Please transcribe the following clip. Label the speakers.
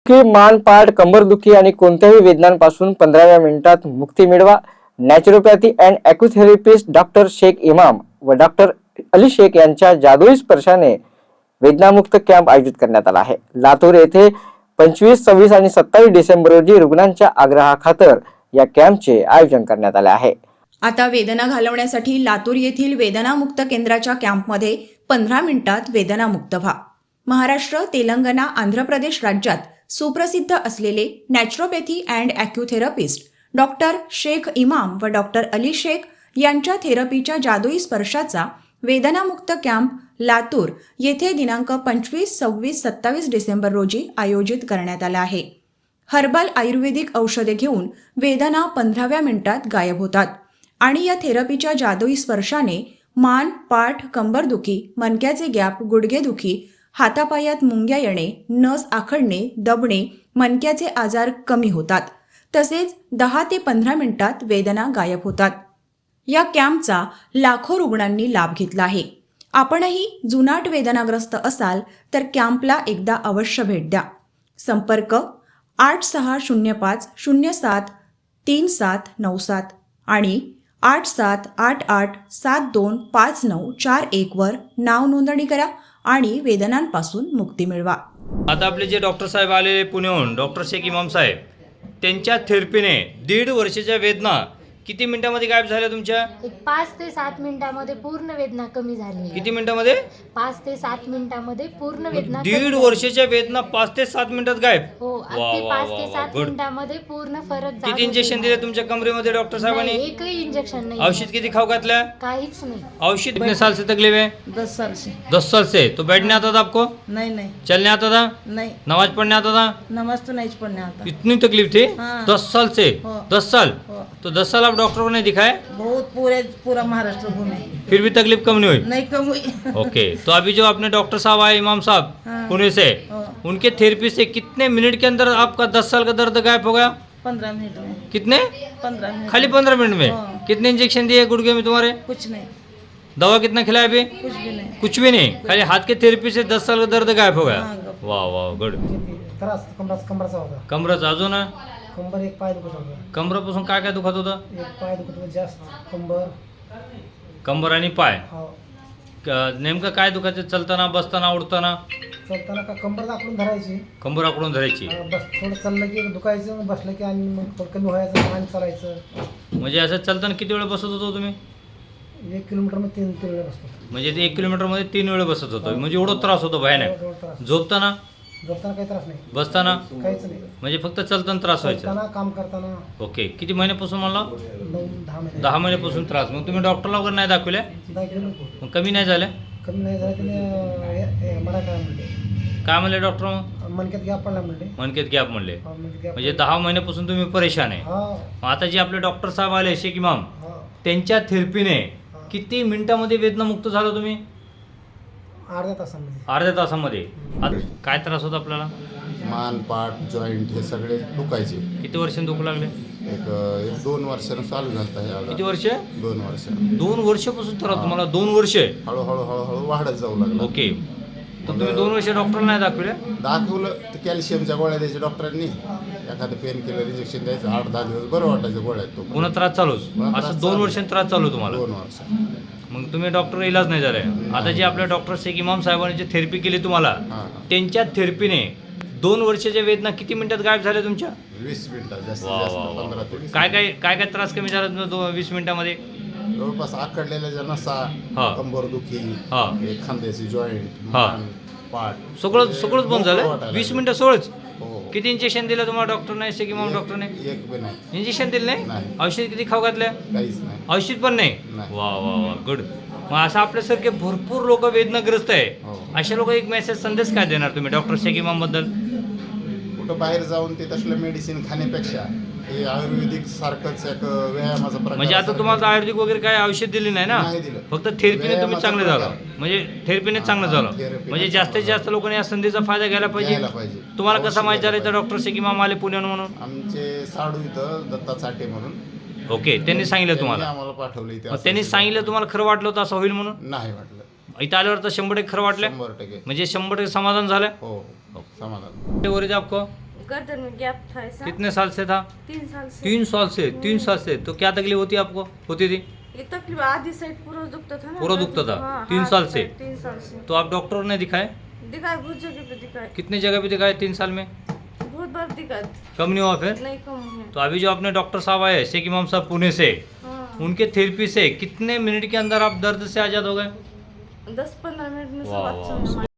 Speaker 1: की मान पाठ कंबरदुखी आणि कोणत्याही वेदनांपासून 15व्या मिनिटात मुक्ती मिळवा। Naturopathy and acutherapist doctor Sheikh Imam व डॉक्टर अली शेख यांच्या जादुई स्पर्शाने वेदनामुक्त कॅम्प आयोजित करण्यात आला आहे। लातूर येथे 25, 26 आणि 27 डिसेंबर रोजी रुग्णांच्या आग्रहाखातर या कॅम्पचे आयोजन करण्यात आले आहे।
Speaker 2: आता वेदना घालवण्यासाठी लातूर येथील वेदनामुक्त केंद्राच्या कॅम्पमध्ये 15 मिनिटात वेदनामुक्त व्हा। महाराष्ट्र, तेलंगणा, आंध्र प्रदेश राज्यात सुप्रसिद्ध असलेले naturopathy and acutherapist doctor Sheikh Imam व डॉक्टर अली शेख यांच्या थेरपीच्या जादुई स्पर्शाचा वेदनामुक्त कॅम्प लातूर येथे दिनांक 25, 26, 27 डिसेंबर रोजी आयोजित करण्यात आला आहे। हर्बल आयुर्वेदिक औषधे घेऊन वेदना 15व्या मिनिटात गायब होतात आणि या थेरपीच्या जादुई स्पर्शाने मान, पाठ, कंबरदुखी, मणक्याचे गॅप, गुडघेदुखी, हातापायात मुंग्या येणे, नस आखडणे, दबणे, मणक्याचे आजार कमी होतात। तसेच 10 ते 15 मिनिटात वेदना गायब होतात। या कॅम्पचा लाखो रुग्णांनी लाभ घेतला आहे। आपणही जुनाट वेदनाग्रस्त असाल तर कॅम्पला एकदा अवश्य भेट द्या। संपर्क 8605 07 3797 आणि 8788725941 वर नाव नोंदणी करा आणि वेदनांपासून मुक्ती मिळवा।
Speaker 3: आता आपले जे डॉक्टर साहेब आलेले पुण्याहून, डॉक्टर शेख इमाम साहेब, त्यांच्या थेरपीने 1.5 वर्षाच्या वेदना किती मिनिटांमध्ये गायब झाल्या तुमच्या?
Speaker 4: 5 ते 7 मिनिटांमध्ये पूर्ण वेदना कमी झाली।
Speaker 3: किती मिनिटांमध्ये?
Speaker 4: 5 ते 7 मिनिटांमध्ये पूर्ण वेदना
Speaker 3: 1.5 वर्षाच्या वेदना 5 ते 7 मिनिटात गायब?
Speaker 4: हो, अगदी 5 ते 7 मिनिटांमध्ये पूर्ण फरक जाणवतो।
Speaker 3: किती इंजेक्शन दिले तुमच्या कमरेमध्ये डॉक्टर साहेबांनी?
Speaker 4: एकही इंजेक्शन नाही।
Speaker 3: औषध किती खाऊ घातल्या?
Speaker 4: काहीच नाही।
Speaker 3: औषध कितने साल से तकलीफ है?
Speaker 5: 10 साल से।
Speaker 3: 10 साल से। तो बैठने आता था आपको?
Speaker 5: नहीं
Speaker 3: चलने आता था?
Speaker 5: नहीं।
Speaker 3: नमाज पढ़ने आता था?
Speaker 5: नमाज तो नहीं पढ़ने आता।
Speaker 3: इतनी तकलीफ थी?
Speaker 5: हाँ।
Speaker 3: 10 साल से?
Speaker 5: हाँ।
Speaker 3: 10 साल?
Speaker 5: हाँ।
Speaker 3: तो 10 साल आप डॉक्टरों ने दिखाए,
Speaker 5: बहुत पूरा महाराष्ट्र घूमे,
Speaker 3: फिर भी तकलीफ कम नहीं हुई?
Speaker 5: नहीं कम हुई।
Speaker 3: ओके, तो अभी जो अपने डॉक्टर साहब आए, इमाम साहब
Speaker 5: हाँ।
Speaker 3: पुणे से,
Speaker 5: हाँ।
Speaker 3: उनके थेरेपी से कितने मिनट के अंदर आपका 10 साल का दर्द गायब हो गया?
Speaker 5: 15 मिनट में।
Speaker 3: कितने?
Speaker 5: 15 मिनट।
Speaker 3: खाली 15 मिनट में?
Speaker 5: हाँ।
Speaker 3: कितने इंजेक्शन दिए गुड़गे में तुम्हारे?
Speaker 5: कुछ नहीं,
Speaker 3: दवा कितना खिलाया अभी?
Speaker 5: कुछ भी नहीं।
Speaker 3: कुछ भी नहीं, खाली हाथ के थेरेपी से 10 साल का दर्द गायब हो गया।
Speaker 5: हाँ,
Speaker 3: वाह वाह, गुड।
Speaker 6: त्रास कमराचा होता।
Speaker 3: कमरचा अजून?
Speaker 6: कंबर एक पाय दुखत होता।
Speaker 3: कमरापासून काय काय दुखत होतं?
Speaker 6: एक पाय दुखत होता जास्त,
Speaker 3: कंबर आणि पाय?
Speaker 6: हो,
Speaker 3: नेमकं काय दुखायचं? चलताना, बसताना, उडताना?
Speaker 6: चलताना का कंबर आखडून धरायची,
Speaker 3: कंबर आकडून धरायची?
Speaker 6: बस थोडं चाललं की दुखायचं, मग बसलं की आणि मग थोडं कमी व्हायचं आणि चालायचं।
Speaker 3: म्हणजे असं चालताना किती वेळ बसत होतो तुम्ही?
Speaker 6: 1 किलोमीटर मध्ये 3 वेळा बसतो।
Speaker 3: म्हणजे ते 1 किलोमीटरमध्ये 3 वेळ बसत होतो, म्हणजे एवढा त्रास होतो भयानक?
Speaker 6: एवढा त्रास।
Speaker 3: झोपताना?
Speaker 6: झोपताना काही त्रास नाही,
Speaker 3: बसताना?
Speaker 6: काहीच नाही।
Speaker 3: म्हणजे फक्त चलताना त्रास व्हायचा?
Speaker 6: चलताना, काम करताना
Speaker 3: ओके, किती महिन्यापासून मला?
Speaker 6: 9-10 महिने।
Speaker 3: 10 महिन्यापासून त्रास. मग तुम्ही डॉक्टरला वगैरे नाही दाखवल्या?
Speaker 6: 10 किलोमीटर
Speaker 3: मग कमी नाही झाल्या?
Speaker 6: कमी नाही झालं त्याने मला काय म्हणले,
Speaker 3: काय म्हणले डॉक्टर? मग
Speaker 6: मनक्यात गॅप पडला म्हणले।
Speaker 3: मनकेत गॅप म्हणले?
Speaker 6: मनक्यात गॅप
Speaker 3: म्हणजे 10 महिन्यापासून तुम्ही परेशान आहे.
Speaker 6: हा
Speaker 3: मग आता जे आपले डॉक्टर साहेब आले शेख इमाम,
Speaker 6: हा।
Speaker 3: त्यांच्या थेरपीने किती मिनिटामध्ये वेदनामुक्त झालं तुम्ही?
Speaker 6: अर्ध्या तासामध्ये।
Speaker 3: अर्ध्या तासामध्ये. आता काय त्रास होता आपल्याला?
Speaker 7: मान, पाठ, जॉईंट हे सगळे दुखायचे।
Speaker 3: किती वर्षांनी दुखू लागले?
Speaker 7: एक 2 वर्षानं चालू झालं आहे।
Speaker 3: किती वर्ष?
Speaker 7: 2 वर्ष।
Speaker 3: 2 वर्षापासून त्रास तुम्हाला? 2 वर्ष?
Speaker 7: हळूहळू वाढत जाऊ लागलं।
Speaker 3: ओके, तर तुम्ही 2 वर्ष डॉक्टरला नाही दाखवले?
Speaker 7: दाखवलं तर कॅल्शियमच्या गोळ्या द्यायच्या डॉक्टरांनी, एखादं पेन किलर इंजेक्शन द्यायचं, 8-10 दिवस बरं वाटायचं गोळ्यात। तो
Speaker 3: पुन्हा त्रास चालूच?
Speaker 7: पुन्हा त्रास
Speaker 3: असं 2
Speaker 7: चालू.
Speaker 3: वर्षांनी त्रास चालू तुम्हाला?
Speaker 7: 2 वर्ष।
Speaker 3: मग तुम्ही डॉक्टर इलाज नाही झालाय? आता जे आपल्या डॉक्टर शेख इमाम साहेबांनी जे थेरपी केली तुम्हाला,
Speaker 7: हां।
Speaker 3: त्यांच्या थेरपीने 2 वर्षाच्या वेदना किती मिनिटात गायब झाल्या तुमच्या?
Speaker 7: 20 मिनिटात जास्तीत
Speaker 3: वा
Speaker 7: जास्त,
Speaker 3: वा वा.
Speaker 7: 15 ते 20
Speaker 3: काय काय काय काय त्रास कमी झाला तुमचा 20 मिनिटामध्ये?
Speaker 7: जवळपास आखडलेल्या ज्या नसा,
Speaker 3: हा.
Speaker 7: कंबरदुखी,
Speaker 3: हा.
Speaker 7: हे खांद्याची जॉईंट,
Speaker 3: हा.
Speaker 7: मान, पाठ,
Speaker 3: सगळंच बंद झालं?
Speaker 7: वाटायला
Speaker 3: 20
Speaker 7: लागलं.
Speaker 3: मिनिटं सगळंच?
Speaker 7: हो।
Speaker 3: किती इंजेक्शन दिलं तुम्हाला डॉक्टरने, शेख इमाम डॉक्टरने?
Speaker 7: एक बी नाही,
Speaker 3: इंजेक्शन दिलं नाही?
Speaker 7: नाही.
Speaker 3: औषध किती खाऊ घातल्या?
Speaker 7: काहीच नाही।
Speaker 3: औषध पण नाही?
Speaker 7: नाही.
Speaker 3: वा वा वा, गुड. मग असं आपल्यासारखे भरपूर लोक वेदनाग्रस्त आहे,
Speaker 7: हो.
Speaker 3: अशा लोक एक मेसेज संदेश काय देणार तुम्ही डॉक्टर शेख इमाम बद्दल?
Speaker 7: कुठं बाहेर जाऊन ते तसलं मेडिसिन खाण्यापेक्षा हे आयुर्वेदिक सारखंच एक व्यायामाचा प्रकार।
Speaker 3: म्हणजे आता तुम्हाला आयुर्वेदिक वगैरे काय औषध दिली नाही ना?
Speaker 7: नाही दिलं.
Speaker 3: फक्त थेरपीने तुम्ही
Speaker 7: व्यायामाचा
Speaker 3: चांगलं झालं,
Speaker 7: प्रकार.
Speaker 3: म्हणजे थेरपीने चांगलं झालं.
Speaker 7: थेरपीने
Speaker 3: म्हणजे जास्तीत जास्त लोकांनी या संधीचा फायदा घ्यायला
Speaker 7: घ्यायला
Speaker 3: पाहिजे.
Speaker 7: पाहिजे.
Speaker 3: तुम्हाला कसं
Speaker 7: अवश्य
Speaker 3: माहिती झालं
Speaker 7: घ्यायला
Speaker 3: तर डॉक्टर शेख इमाम आले पुण्याहून म्हणून?
Speaker 7: आमचे साडू इथं दत्ता चाटे म्हणून,
Speaker 3: ओके, त्यांनी सांगितलं तुम्हाला?
Speaker 7: आम्हाला पाठवलं इथे।
Speaker 3: मग त्यांनी सांगितलं तुम्हाला खरं वाटलं होतं असं होईल म्हणून?
Speaker 7: नाही वाटलं,
Speaker 3: इथं आल्यावर तर 100% खरं वाटलं?
Speaker 7: 100%।
Speaker 3: म्हणजे 100% समाधान झालं?
Speaker 7: हो, समाधान।
Speaker 3: वरीज आपको
Speaker 8: गर्दन में गैप था ऐसा।
Speaker 3: कितने साल से था?
Speaker 8: 3 साल से।
Speaker 3: 3 साल से। तो क्या तकलीफ होती आपको होती थी?
Speaker 8: ये तकलीफ आधी साइड पूरा दुखता था ना।
Speaker 3: पूरा दुखता था?
Speaker 8: हाँ,
Speaker 3: 3
Speaker 8: हाथ
Speaker 3: साल से?
Speaker 8: पे 3 साल से
Speaker 3: तो आप डॉक्टर ने दिखाए?
Speaker 8: दिखाए, बहुत जगह पे दिखाए,
Speaker 3: कितने जगह पे दिखाए 3 साल में?
Speaker 8: बहुत बार दिखाए,
Speaker 3: कम नहीं हुआ फिर?
Speaker 8: नहीं कम हुआ।
Speaker 3: तो अभी जो अपने डॉक्टर साहब आए शेख इमाम साहब पुणे से,
Speaker 8: हाँ,
Speaker 3: उनके थेरेपी से कितने मिनट के अंदर आप दर्द से आज़ाद हो गए?
Speaker 8: 10-15 मिनट में सब
Speaker 3: वाह,
Speaker 8: अच्छा
Speaker 3: वाह।
Speaker 8: हुआ।